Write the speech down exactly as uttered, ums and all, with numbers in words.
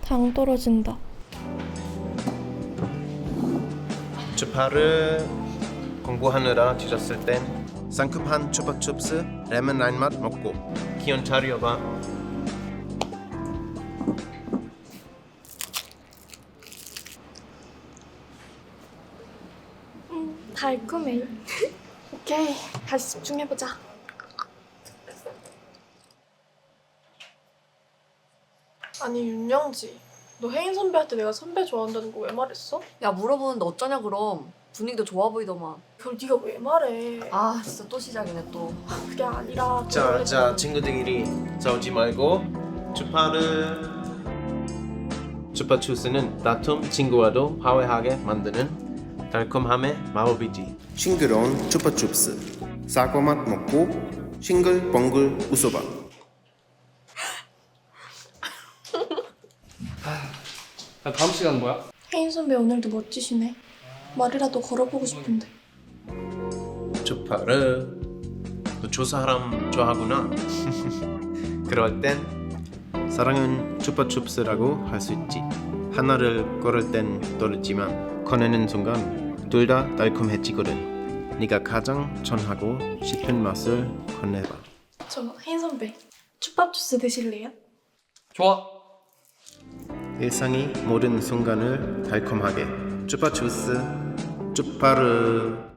당 떨어진다. 주파를 공부하느라 뒤졌을 땐 상큼한 추파춥스 레몬 라인 맛 먹고 기운 차려봐. 음, 달콤해. 오케이, 다시 집중해보자. 아니 윤영지, 너 혜인 선배한테 내가 선배 좋아한다는 거 왜 말했어? 야 물어보는데 어쩌냐 그럼. 분위기도 좋아 보이더만. 그걸 네가 왜 말해? 아 진짜 또 시작이네 또. 그게 아니라 너 자, 원래 자 좀- 친구들끼리 싸우지 말고 주파를 주파추스는 다툼 친구와도 화해하게 만드는 달콤함의 마법이지. 싱그러운 추파춥스 사과 맛 먹고 싱글벙글 웃어봐. 야, 다음 시간 뭐야? 혜인 선배 오늘도 멋지시네. 말이라도 걸어보고 싶은데. 주파를 너 조사람 좋아하구나. 그럴 땐 사랑은 추파춥스라고 할 수 있지. 하나를 걸을 땐 떨어지만 꺼내는 순간 둘 다 달콤해지거든. 네가 가장 전하고 싶은 맛을 건네봐. 저 혜인 선배, 추밥 주스 드실래요? 좋아. 일상이 모든 순간을 달콤하게 추파추스 추파르.